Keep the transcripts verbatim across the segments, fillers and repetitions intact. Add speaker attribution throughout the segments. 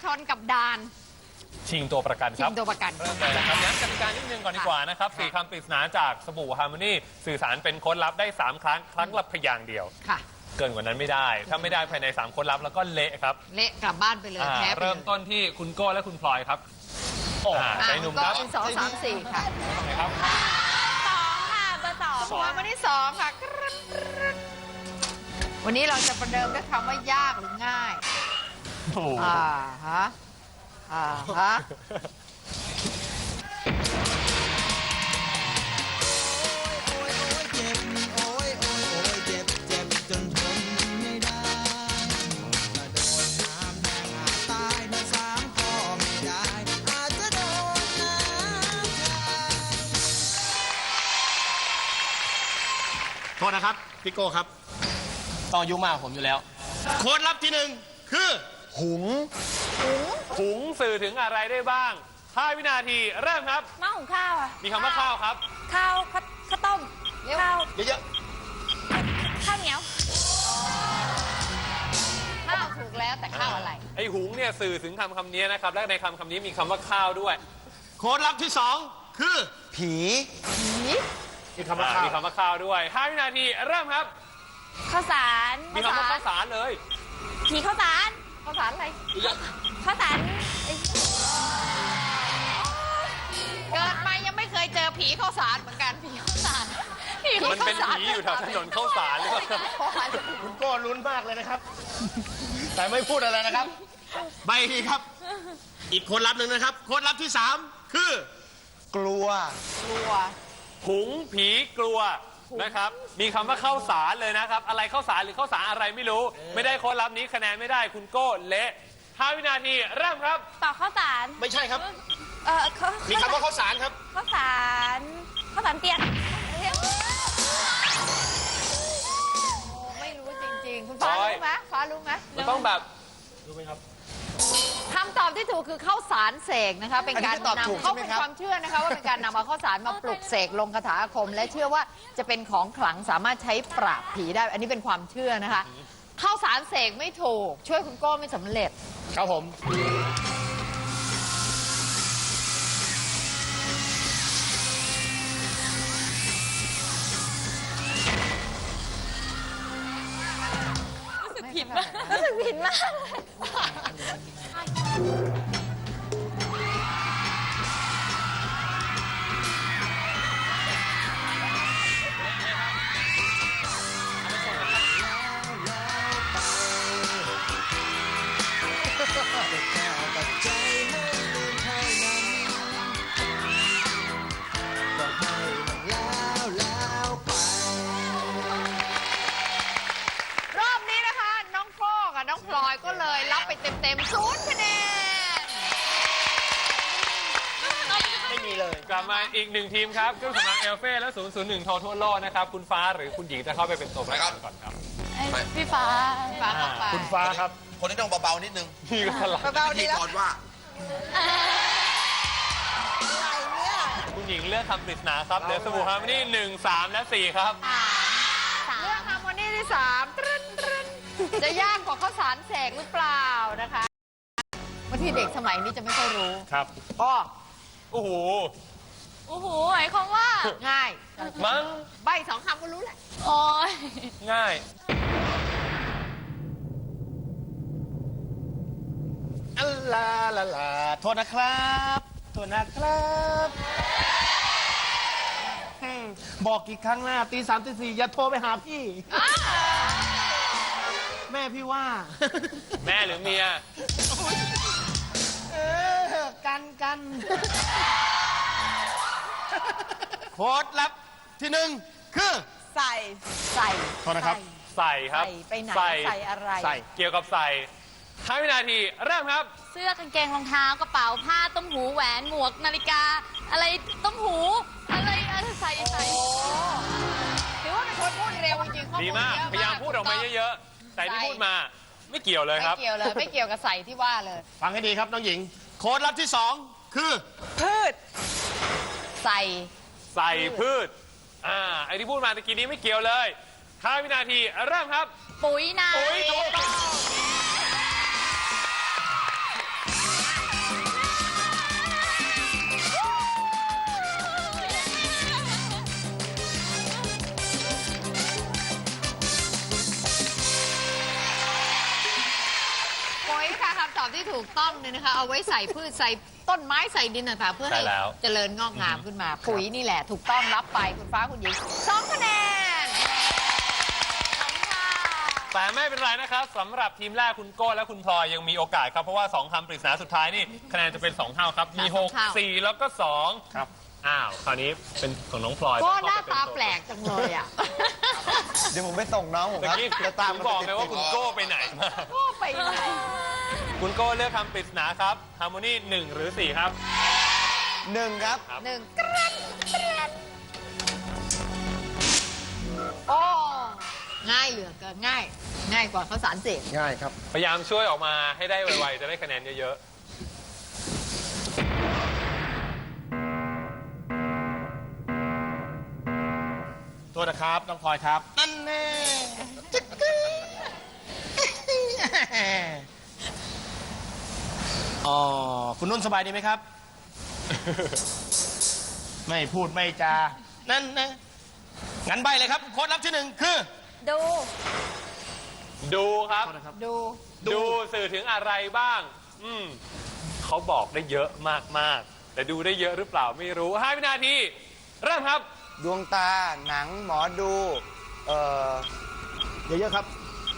Speaker 1: นกับดาน
Speaker 2: ชิงตัวประกันครับ
Speaker 1: ชิงตัวประกัน
Speaker 2: เริ่มเลยนะครับย้ำกติกานิดนึงก่อนดีกว่านะครับสี่คำปริศนาจากสบู่ฮาร์โมนีสื่อสารเป็นโค้ดลับได้สามครั้งครั้งละพยางค์เดียว
Speaker 1: ค่ะ
Speaker 2: เกินกว่านั้นไม่ได้ถ้าไม่ได้ภายในสามโค้ดลับแล้วก็เละครับ
Speaker 1: เละกลับบ้านไปเลยแพ้ไปเลย
Speaker 2: เริ่มต้นที่คุณโก้และคุณพลอยครับใจหนุ่มครับ
Speaker 1: สองสามสี่ค่ะ
Speaker 2: ครับ
Speaker 3: สองค่ะเบอร์สอง
Speaker 1: หัวมาที่สองค่ะวันนี้เราจะประเดิมด้วยคำว่ายากหรือง่ายอ่าฮะอ่าฮะ
Speaker 4: โทษนะครับพี่โก้ครับต้องอายุมากผมอยู่แล้วโค้ดลับที่หนึ่งคือหุง
Speaker 2: หุงสื่อถึงอะไรได้บ้างห้าวินาทีเริ่มครับ
Speaker 3: หม้อหุงข้าวอ่ะ
Speaker 2: มีคำว่าข้าวครับ
Speaker 3: ข้าวข้าวข้าวต้มข้าว
Speaker 4: เยอะ
Speaker 3: ๆข้าวเหนียว
Speaker 1: ข้าวถูกแล้วแต่ข้าวอะไร
Speaker 2: ไอหุงเนี่ยสื่อถึงคำคำนี้นะครับและในคำคำนี้มีคำว่าข้าวด้วย
Speaker 4: โค้ดลับที่สองคือผี
Speaker 1: ผี
Speaker 4: มีคำว่าข้าว
Speaker 2: มีคำว่าข้าวด้วยห้าวินาทีเริ่มครับ
Speaker 3: ข้าวสาร
Speaker 2: มีคำว่าข้าวสารเลย
Speaker 3: ผีข้าวสาร
Speaker 1: ข้าวสารอะไร
Speaker 3: ข้าวสาร
Speaker 1: เกิดมายังไม่เคยเจอผีข้าวสารเหมือนกันผีข้าวสาร
Speaker 2: มันเป็นผีอยู่แถวถนนข้าวสารหรือเปล่า
Speaker 4: คุณโก้ลุ้นมากเลยนะครับแต่ไม่พูดอะไรนะครับใบทีครับอีกโค้ดลับหนึ่งนะครับโค้ดลับที่สามคือกลัว
Speaker 1: กลัว
Speaker 2: หุงผีกลัวนะครับมีคำว่าข้าวสารเลยนะครับอะไรข้าวสารหรือข้าวสารอะไรไม่รู้ไม่ได้โค้ดลับนี้คะแนนไม่ได้คุณโก้เละห้าวินาทีเริ่มครับ
Speaker 3: ต่อข้าวสาร
Speaker 4: ไม่ใช่ครับ
Speaker 3: เออ
Speaker 4: มีคำว่าข้าวสารครับ
Speaker 3: ข้าวสารข้าวสารเตียน
Speaker 1: ไม่รู้จริงๆคุณฟ้ารู้ไหมฟ้ารู้ไหม
Speaker 2: มันต้องแบบ
Speaker 4: รู้ไหมครับ
Speaker 1: คำตอบที่ถูกคือข้าวสารเสกนะคะเป็นการนำเขาเป็นความเชื่อนะคะว่าเป็นการนำเอาข้าวสารมาปลุกเสกลงคาถาอาคมและเชื่อว่าจะเป็นของขลังสามารถใช้ปราบผีได้อันนี้เป็นความเชื่อนะคะข้าวสารเสกไม่ถูกช่วยคุณโก้ไม่สำเร็จ
Speaker 4: ครับผม
Speaker 3: รู้สึกผิดมากรู้สึกผิดมาก
Speaker 1: น้องพลอยก็เลยรับไปเต็มๆศูนย์คะแนน
Speaker 4: ไม่มีเลย
Speaker 2: กลับมาอีกหนึ่งทีมครับเครื่องสำอางเอลเฟ่และศูนย์ศูนย์หนึ่งโททั่วโลกนะครับคุณฟ้าหรือคุณหญิงจะเข้าไปเป็นตัวประกันก่อนครับ
Speaker 3: พี่ฟ้า
Speaker 1: ฟ้าเข้าไป
Speaker 4: คุณฟ้าครับ
Speaker 5: คนที่ต้องเบาๆนิดนึง
Speaker 2: นี่ก็สลับ
Speaker 1: เบาๆดีแล้ว
Speaker 5: ก่อนว่า
Speaker 2: คุณหญิงเลือกคำปริศนาครับเหลือสบู่ฮาร์โมนีหนึ่งสามและสี่ครับ
Speaker 1: เลือกฮาร์โมนีที่สามจะยากกว่าข้าวสารเสกหรือเปล่านะคะบางทีเด็กสมัยนี้จะไม่ค่อยรู้
Speaker 4: ครับ
Speaker 1: ก็
Speaker 2: โอ้โห
Speaker 3: โอ้โหหมายความว่า
Speaker 1: ง่าย
Speaker 2: มั้ง
Speaker 1: ใบสองคำก็รู้แหละ
Speaker 3: โอ้ย
Speaker 2: ง่าย
Speaker 4: อัลลาลาลาโทษนะครับโทษนะครับบอกกี่ครั้งแล้วตีสามตีสี่อย่าโทรไปหาพี่แม่พี่ว่า
Speaker 2: แม่หรือเมีย
Speaker 4: เออกันกันโค้ดลับที่หนึ่งคือ
Speaker 1: ใส่ใส่
Speaker 4: โทษนะครับ
Speaker 2: ใส่ครับ
Speaker 1: ใส่ไปไหนใส่อะไร
Speaker 2: ใส่เกี่ยวกับใส่ห้าวินาทีเริ่มครับ
Speaker 3: เสื้อกางเกงรองเท้ากระเป๋าผ้าต้มหูแหวนหมวกนาฬิกาอะไรต้มหูอะไรอะไรใส่ใส่
Speaker 1: ถือว่าเป็นคนพูดเร็วจริงๆ
Speaker 2: ดีมากพยายามพูดออกมาเยอะๆใส่ที่พูดมาไม่เกี่ยวเลยครับ
Speaker 1: ไม่เกี่ยวเลยไม่เกี่ยวกับใส่ที่ว่าเลย
Speaker 4: ฟังให้ดีครับน้องหญิงโค้ดลับที่สองคือ
Speaker 1: พืชใส่
Speaker 2: ใส่พืชอ่าไอที่พูดมาตะกี้นี้ไม่เกี่ยวเลยห้าวินาทีเริ่มครับ
Speaker 3: ปุ๋ยนา
Speaker 2: ปุ๋ยถูกต้อง
Speaker 1: อบที่ถูกต้องเนี่ยนะคะ เอาไว้ใส่พืชใส่ต้นไม้ใส่ดินต่างๆเพื่อให้
Speaker 2: ใช่แล้ว
Speaker 1: เจริญงอกงามขึ้นมา ปุ๋ยนี่แหละถูกต้องรับไปคุณฟ้าคุณหญิงสองคะแนนขอบคุณค่ะ
Speaker 2: แต่ไม่เป็นไรนะครับสำหรับทีมแรกคุณโก้และคุณพลอยยังมีโอกาสครับ เพราะว่าสองคำปริศนาสุดท้ายนี่คะแนนจะเป็นสองเท่าครับ มี
Speaker 1: ค่ะ
Speaker 2: ห
Speaker 1: สอง
Speaker 2: ก
Speaker 1: เท่า
Speaker 2: สี่แล้วก็สอง
Speaker 4: ครับ
Speaker 2: อ้าวคราวนี้เป็นของน้องพลอย
Speaker 1: ก็หน้า
Speaker 2: เข้ไป
Speaker 1: ตา
Speaker 2: เน
Speaker 1: แปลกจังเลยอ่ะ
Speaker 5: เดี๋ยวผมไปส่งน้องผม
Speaker 2: เมื่
Speaker 5: ค
Speaker 2: อ
Speaker 5: รับ
Speaker 2: กี้
Speaker 5: จะตาม
Speaker 2: ผมบอกเลยว่าคุณโก้ไปไหนมา
Speaker 1: ก็ไปไหน
Speaker 2: คุณโก้เลือกคำปริศนาครับฮาร์โมนีหนึ่งหรือสี่ครับ
Speaker 5: หนึ่งครับ
Speaker 1: หนึ่งกรันกรันโอ้ง่ายเหลือเกินง่าย ง่ายกว่าข้าวสารเสก
Speaker 5: ง่ายครับ
Speaker 2: พยายามช่วยออกมาให้ได้ไวๆจะได้คะแนนเยอะ
Speaker 4: โทษนะครับน้องพลอยครับ นั่นแน่จิ๊กกึ๊กอ๋อคุณนุ่นสบายดีไหมครับ ไม่พูดไม่จา นั่นนะงั้นใบเลยครับ โค้ดลับที่หนึ่งคือ
Speaker 3: ดู
Speaker 2: ๆ ดูครับ
Speaker 1: ดู
Speaker 2: ดูสื่อถึงอะไรบ้าง อืมเขาบอกได้เยอะมากๆ แต่ดูได้เยอะหรือเปล่าไม่รู้ห้าวินาที เริ่มครับ
Speaker 5: ดวงตา หนัง หมอดู เอ่อ เยอะๆครับ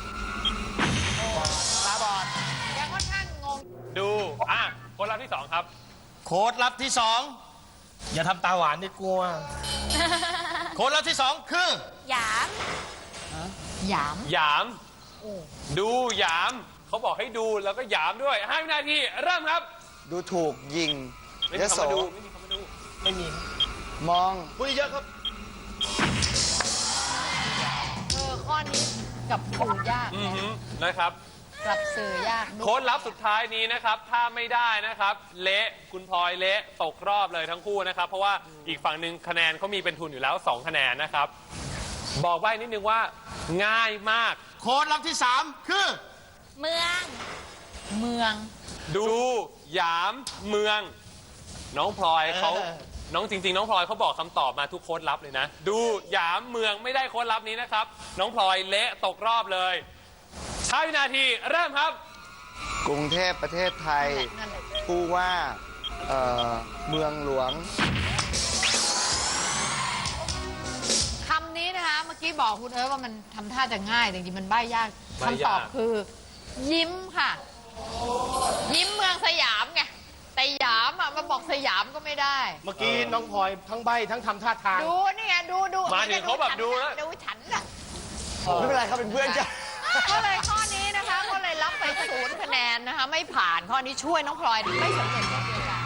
Speaker 1: ตาบอดยังค่อนข้างงง
Speaker 2: ดู อ่ะ คนรับที่สองครับ
Speaker 4: โค้ดลับที่สองอย่าทำตาหวานดิกลัว โค้ดลับที่สองคือ
Speaker 3: หยาม
Speaker 1: หยาม
Speaker 2: หยาม ดูหยาม เขาบอกให้ดูแล้วก็หยามด้วยห้าวินาที เริ่มครับ
Speaker 5: ดูถูกยิง
Speaker 2: ไม่
Speaker 5: ย
Speaker 2: มี
Speaker 5: โส
Speaker 2: คำว่าดู ไม่มีคำว่าดู
Speaker 4: ไม่มี
Speaker 5: มอง
Speaker 4: พูดเยอะครับ
Speaker 1: เออข้อนี้กับสื่อยาก
Speaker 2: อือหือนะครับ
Speaker 1: กับสื่อยาก
Speaker 2: โค้ดลับสุดท้ายนี้นะครับ ถ้าไม่ได้นะครับ เละคุณพลอยเละตกรอบเลยทั้งคู่นะครับ เพราะว่าอีกฝั่งหนึ่งคะแนนเขามีเป็นทุนอยู่แล้วสองคะแนนนะครับ บอกไว้นิดนึงว่าง่ายมาก
Speaker 4: โค้ดลับที่สามคือ
Speaker 3: เมือง
Speaker 1: เมือง
Speaker 2: ดูหยามเมือง น้องพลอยเขา
Speaker 4: เออ
Speaker 2: น้องจริง ๆ น้องพลอยเขาบอกคำตอบมาทุกโค้ดลับเลยนะ ดูหยามเมืองไม่ได้โค้ดลับนี้นะครับ น้องพลอยเละตกรอบเลยห้าวินาทีเริ่มครับ
Speaker 5: กรุงเทพประเทศไทย
Speaker 1: นั่นแหละ
Speaker 5: ผู้ว่า เอ่อ เมืองหลวง
Speaker 1: คำนี้นะคะ เมื่อกี้บอกคุณเอิร์ธว่ามันทำท่าจะง่ายแต่จริงๆมันใบ้ยาก
Speaker 2: ใบ้ยาก
Speaker 1: คำตอบคือ ยิ้มค่ะ ยิ้มเมืองสยามไงแต่หยามอ่ะมาบอกสยามก็ไม่ได้
Speaker 4: เมื่อกี้น้องพลอยทั้งใบทั้งทำท่าทาง
Speaker 1: ดูนี่ไงดูดู
Speaker 2: มาถึงเขาแบบดูแล้ว
Speaker 1: ดูฉันน่ะ
Speaker 5: ไม่เป็นไรครับ เป็นเพื่อนกัน
Speaker 1: ก็เลยข้อนี้นะคะก็เลยรับไปศูนย์คะแนนนะคะ ไม่ผ่านข้อนี้ช่วยน้องพลอยไม่สำเร็จเช่นเดียวกัน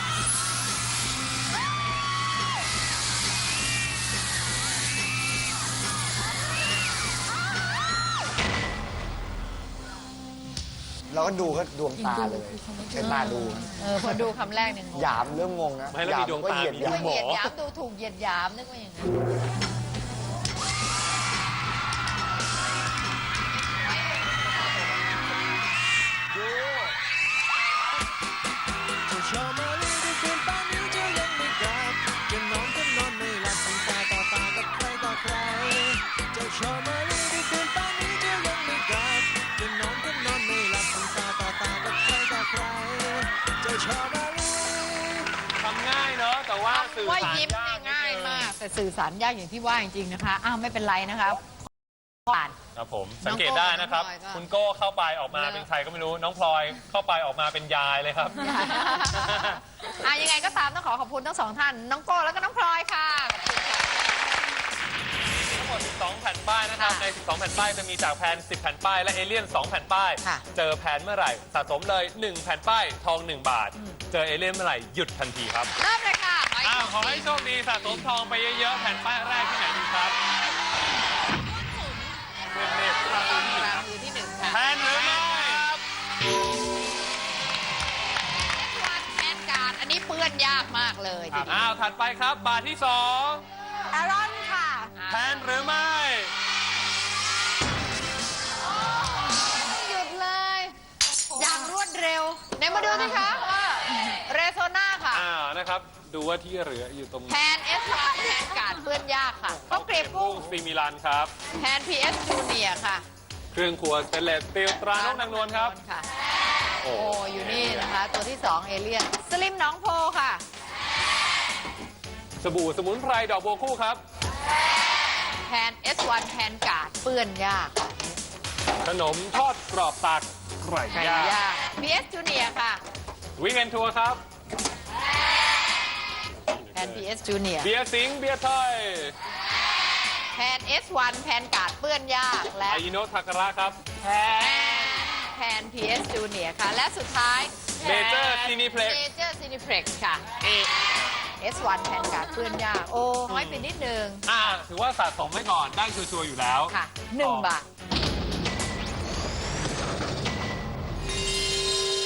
Speaker 5: เราก็ดูก็ดวงตาเลยใช้ตาดู
Speaker 1: เออพอดูคำแรกเนี่ยงง
Speaker 5: หยามเริ่มงงนะ
Speaker 2: ไม่แล้ว
Speaker 5: หยา
Speaker 2: มี
Speaker 5: ม
Speaker 2: ดวง
Speaker 5: ก็
Speaker 2: ตา
Speaker 5: เหยียด
Speaker 2: มี
Speaker 5: หยาม
Speaker 1: เหยียดหยามดูถูกเหยียดหยามนึกว่าอย่างนั้น
Speaker 6: จะชอบมาลีได้คืนป่านนี้จะยังไม่กลับจะนอนก็นอนไม่หลับตั้งตาต่อตากับใครต่อใครจะชอบมาลีได้คืนป่านนี้จะยังไม่กลับจะนอนก็นอนไม่หลับตั้งตาต่อตากับใครต่อใครจะชอบมาลี
Speaker 2: ทำง่ายเนอะแต่ว่าสื่อ
Speaker 1: ว่า
Speaker 2: สาร
Speaker 1: ยิ้ม
Speaker 2: ยา
Speaker 1: เนี่ย
Speaker 2: ก
Speaker 1: ง่ายมาก แต่สื่อสารยากอย่างที่ว่าจริงๆนะคะอ้าวไม่เป็นไรนะคะผ่าน
Speaker 2: ครับผมสังเกตได้นะครับ
Speaker 1: น้องโก้กับน้องพลอยก็
Speaker 2: คุณโก้เข้าไปออกมา
Speaker 1: เลิก
Speaker 2: เป็นใครก็ไม่รู้น้องพลอยเข้าไปออกมาเป็นยายเลยครับ
Speaker 1: อ่ะยังไงก็ตามต้องขอขอบคุณทั้งสองท่าน น้องโก้แล้วก็น้องพลอยค่ะขอบคุณค่ะ
Speaker 2: ทั้งหมดสิบสองแผ่นป้ายนะครับ
Speaker 1: ค่ะ
Speaker 2: ใน สิบสอง แผ่นป้ายจะมีจากแพนสิบ แผ่นป้าย และเอเลี่ยน สอง แผ่นป้าย
Speaker 1: ค่ะ
Speaker 2: เจอแพนเมื่อไหร่ สะสมเลย หนึ่ง แผ่นป้าย ทอง หนึ่ง บาท เจอเอเลี่ยนเมื่อไหร่ หยุดทันทีครับ
Speaker 1: เริ่มเลยค่ะ
Speaker 2: อ้าว ขอให้โชคดี สะสมทองไปเยอะๆ แผ่นป้ายแรกที่ไหนดีครับเรียบๆครับ
Speaker 1: รามือที่หนึ่งค่ะ
Speaker 2: แพนหรือไม่
Speaker 1: วันแทนการอันนี้เปื้อนยากมากเลยทีเดียว
Speaker 2: อ้าว ถัดไปครับ บาทที่สอง
Speaker 1: อารอนค่ะ
Speaker 2: แพนหรือไม่
Speaker 1: หยุดเลย อย่างรวดเร็วไหนมาดูสิคะว่าเรโซนาค่ะ
Speaker 2: อ้าวนะครับ ดูว่าที่เหลืออยู่ตรง
Speaker 1: แพนเอสวันแพนการเปื้อนยากค่ะข้าวเกรียบกุ้ง
Speaker 2: ซีมิลันครับ
Speaker 1: แพนพีเอสจูเนียค่ะ
Speaker 2: เครื่องครัวสเตนเลสสตีลตรานกนางนวลครับ
Speaker 1: ค่ะโอ้อยู่นี่นะคะ ตัวที่สองเอเลียนสลิมหน้องโพค่ะ
Speaker 2: สบู่สมุนไพรดอกบัวคู่ครับ
Speaker 1: แพน เอส วัน แพนการ์ดเปื้อนยาก
Speaker 2: ขนมทอดกรอบตักไก่
Speaker 1: ไก่
Speaker 2: ย่าง
Speaker 1: ยาก พี เอส Junior ค่ะ
Speaker 2: วิกเอนทัวร์ครับ
Speaker 1: แพน พี เอส Junior
Speaker 2: เบียร์สิงห์เบียร์ไทย
Speaker 1: แพน เอส วัน แพนการ์ดเปื้อนยากและ
Speaker 2: ไออิโนะทาการะครับ
Speaker 1: แพน พี เอส Junior ค่ะ และสุดท้าย
Speaker 2: Major Cineplex
Speaker 1: เมเจอร์ซีนิเพล็กซ์ค่ะ เอส วัน แพนการ์ดเปื้อนยาก โอ้น้อยไปนิดนึง
Speaker 2: อ่าถือว่าสะสมไว้ก่อนได้ชัวร์ๆอยู่แล้ว
Speaker 1: ค่ะหนึ่งบาท